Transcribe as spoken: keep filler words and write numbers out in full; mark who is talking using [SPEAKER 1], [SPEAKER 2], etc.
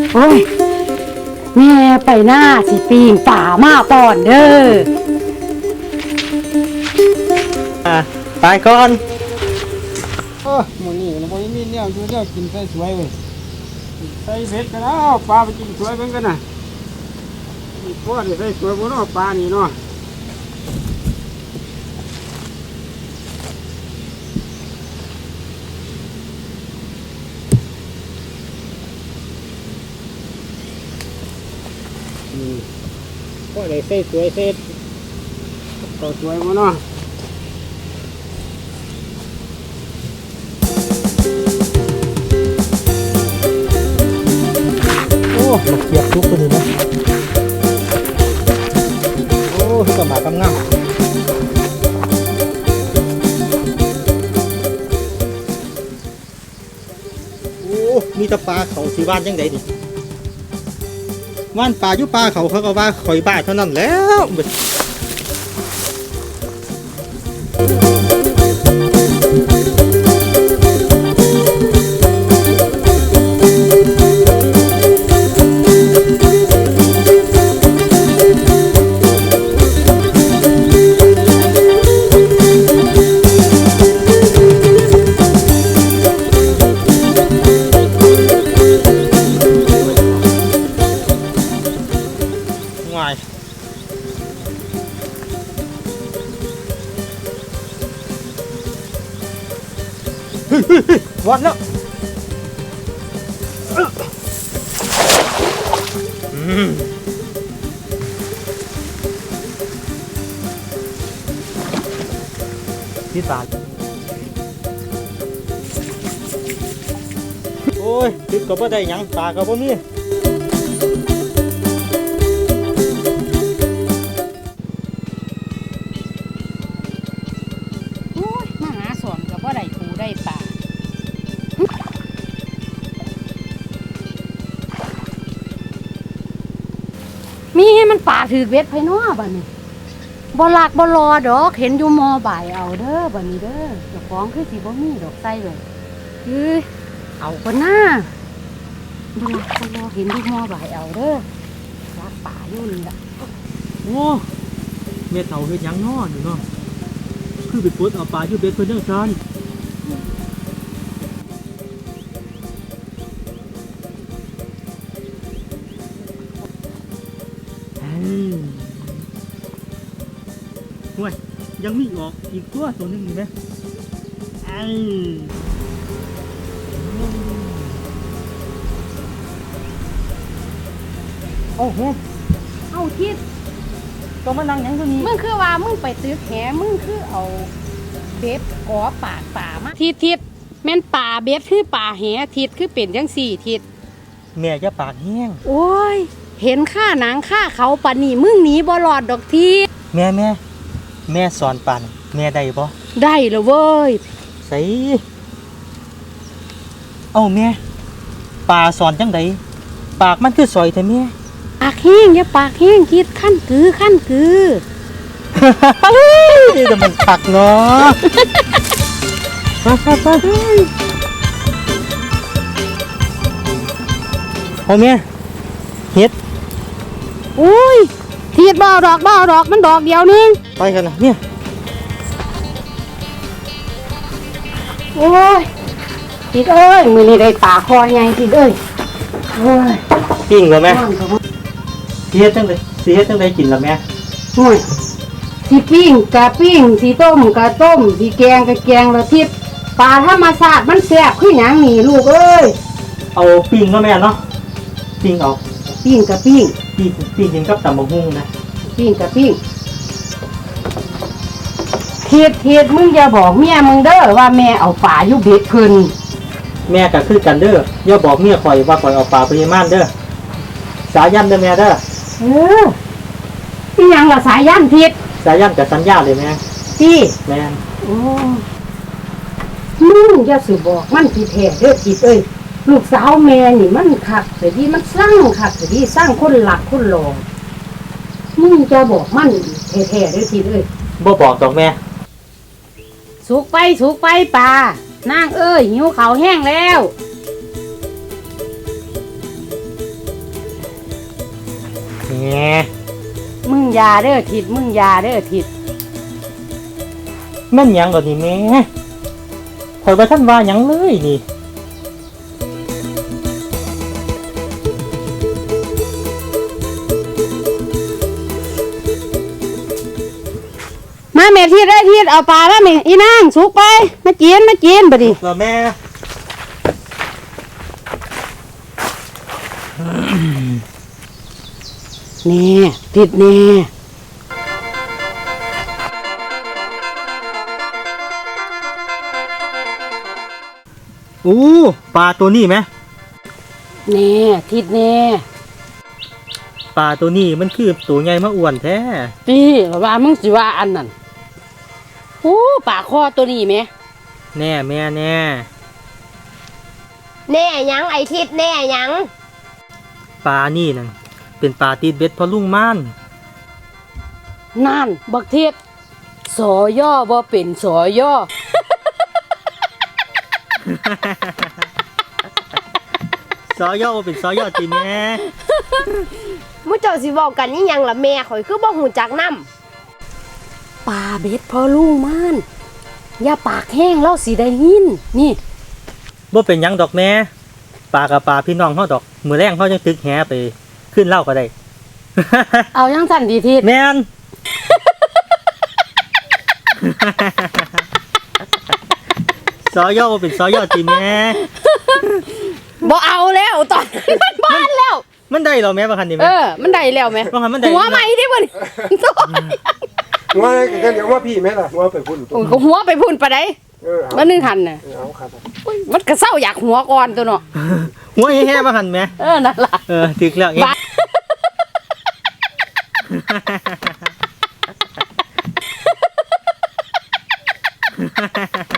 [SPEAKER 1] โอ้ยแม่ไปหน้าสิปีงป่ามาป่อนเด้อ
[SPEAKER 2] อ่ะไปก่อน
[SPEAKER 3] เออหมูนี่นะบ่มีเนี่ยอยู่เนี่ยกินใส่สวยเว้ยใส่เผ็ดกันแล้วปลาไปกินสวยเหมือนกันน่ะนี่พ่อนี่ใส่สวยบ่เนาะปลานี่เนาะนี่พ่อได้ใส่สวยเสร็จต่อสวยบ่เนาะ
[SPEAKER 2] มาเกียบทุกคนเลยนะโอ้ทุกกระหมากำง่ำโอ้มีตะปลาเขาสีบ้านยังไงดิว่านปลาอยู่ปลาเขาเขาก็ว่าข่อยบ้าเท่านั้นแล้ววัดแล้วที่ตาโอ้ยติดก็บ่ได้ยังตาก็บ่มี
[SPEAKER 1] โอ้ยมาหาสอนก็บ่ได้ถูได้ป่ามีให้มันป่าถือเวทไผน้อบัดนี้บ่ลักบ่รอดอกเห็นอยู่มอบ่ายเอาเด้อบัดนี้เด้อเจ้าของคือสิบ่มีดอกไส้เลยคือเอาคนหน้าบ่ลักบ่รอเห็นอยู่มอบ่ายเอาเด้อลักป่าอยู่นี่ล่ะ
[SPEAKER 2] โอ้เม็ดเต่าเฮ็ดยังน้ออยู่เนาะคือไปปลดเอาปลาอยู่เบ็ดเพิ่นจังซั่นห่วยยังมีออกอีกตัวตัวนึงอยู่ไหมไอ้โอ้โห
[SPEAKER 1] เอาทิศ
[SPEAKER 2] ตัวมันนั่งยังตัวนี้
[SPEAKER 1] มึงคือว่ามึงไปตึกแหมึงคือเอาเบ็ดกอปากป่ามาทิศทิศแม่นป่าเบ็ดคือป่าแหทิศคือเป็นจังสี่ทิศ
[SPEAKER 2] แม่จะปากแห้ง
[SPEAKER 1] โอ้ยเห็นข้าหนังข้าเขาปานนี่มึงหนีบ่รอดดอกทิศ
[SPEAKER 2] แม่แม่แม่สอนปันแม่ได้บ่
[SPEAKER 1] ได้แล้วเว้ย
[SPEAKER 2] ใส่เอ้าแม่ปลาสอนจังไดปากมันคือสอยแต่แม่
[SPEAKER 1] ปากแห้งอย่าปากแห้งคิดขั้นคือขั้นคือ
[SPEAKER 2] จะมันปักเนาะไปไปไปโอ้แม่เฮ็ด
[SPEAKER 1] อุ้ยทีดบ่ดอกบ่ดอกมันดอกเดียวนึง
[SPEAKER 2] ไปกันนะเนี่ย
[SPEAKER 1] โอ้ยทีดเอ้ยมือนี่ได้ปลาคอใหญ่ทีดเอ้ยโอ้ย
[SPEAKER 2] ปิ้งเหรอแม่สีเฮ็ดจังไดสีเฮ็ดจังไดกินล่ะแม่
[SPEAKER 1] โอ้ยสีปิ้งกะปิ้งสีต้มกะต้มสีแกงกะแกงละทิศปลาธรรมชาติมันแซ่บคือหยังนี่ลูกเอ้ย
[SPEAKER 2] เอาปิ้งเนาะแม่เนาะปิ้งเอา
[SPEAKER 1] ปิ้งกะปิ้ง
[SPEAKER 2] ปิ้งปิ้งกินกับตำบักหุ่งนะ
[SPEAKER 1] ปิ้งกะปิ้งเทียดเทียดมึงอย่าบอกเมียมึงเด้อว่าแม่เอาปลาอยู่เบ็ดเพิ่น
[SPEAKER 2] แม่ก็คือกันเด้ออย่าบอกเมียข่อยว่าข่อยเอาปลาปริมาณเด้อสายันเด้อแม่เด้อ
[SPEAKER 1] เออพี่ยังล่ะสายยันทิศ
[SPEAKER 2] สายันกับสัญญาเลยแม่
[SPEAKER 1] พี่
[SPEAKER 2] แม่
[SPEAKER 1] โอ้มึงอย่าสิบอกมันที่แท้เด้อทิศเอ้ยลูกสาวแม่นี่มันคักแต่ที่มันสร้างคักแต่ที่สร้างคนหลักคนหลงมึงจะบอกมันแท้ๆเด้อทิศเอ้ย
[SPEAKER 2] บ่บอกดอกแม่
[SPEAKER 1] สุกไปสุกไปป่านางเอ้ยหิวข้าวแห้งแล้วมึงอยาเด้อทิดมึงอยาเด้อทิด
[SPEAKER 2] แม่นหยังก่อนนี่แม่ข่อยว่าท่านว่าหยังเลยนี่
[SPEAKER 1] มาแม่ทิดได้ทิดเอาปลามาแม่อีนางสุกไปมากินมากินบัดนี้
[SPEAKER 2] แล้วแม่
[SPEAKER 1] แน่ทิดแน่
[SPEAKER 2] อู้ปลาตัวนี้ไหม
[SPEAKER 1] แน่ทิดแน่
[SPEAKER 2] ปลาตัวนี้มันคือตัวใหญ่มาอ้วนแท้
[SPEAKER 1] ตีว่ามึงสิว่าอันนั้นโอ้ปลาคอตัวนี้แม่
[SPEAKER 2] แน่แม่แน่
[SPEAKER 4] แน่หยังไอทิศแน่หยัง
[SPEAKER 2] ปลานี่นั่นเป็นปลาติดเบ็ดพอลุงม่าน
[SPEAKER 1] นั่นบักเทียดสอย่อบ่เป็นสอย่อ
[SPEAKER 2] ซอย่อเป็นซอย่อจีแม่
[SPEAKER 4] มุเจ้าสิบอกกันนี่ยังล่ะแม่ข่อยคือบ่หูจักนำ
[SPEAKER 1] ปลาเบ็ดพอลุงมันอย่าปากแห้งแล้วสิได้ยินนี่
[SPEAKER 2] บ่เป็นหยังดอกแม่ปลากับปลาพี่น้องเฮาดอกมือแรงเฮาจังตึกแหไปขึ้นเหล้าก็ได้
[SPEAKER 1] เอายังสั่นดีทิด
[SPEAKER 2] แม่น ซอย่อบ่เป็นซอย่อจีแม่
[SPEAKER 1] บ่เอาแล้วตอนนี้มันบ้านแล้ว
[SPEAKER 2] มันได้เหรอแม่บางคันนี่
[SPEAKER 1] เอ
[SPEAKER 2] แม่
[SPEAKER 1] อ มันได้แล้วไหม
[SPEAKER 2] บางคันมันได้
[SPEAKER 1] หัวใหม่ดิบ่น
[SPEAKER 3] หัวกันเดี๋ยวว่าพี่แม่ล่ะหัวไปพุ่นตัว
[SPEAKER 1] โอ้ยก็หัวไปพุ่นปะได้
[SPEAKER 3] เออเอา
[SPEAKER 1] มันนึงหันน่ะ
[SPEAKER 3] เอาครับ
[SPEAKER 1] อุ้ยมันก็เศร้าอยากหัวก่อนตัวเนาะ
[SPEAKER 2] หัวแห่ๆบางคันแม่
[SPEAKER 1] เออนั่นล่ะ
[SPEAKER 2] เออถึกแล้วเอง
[SPEAKER 1] บ้า
[SPEAKER 2] Ha ha ha ha.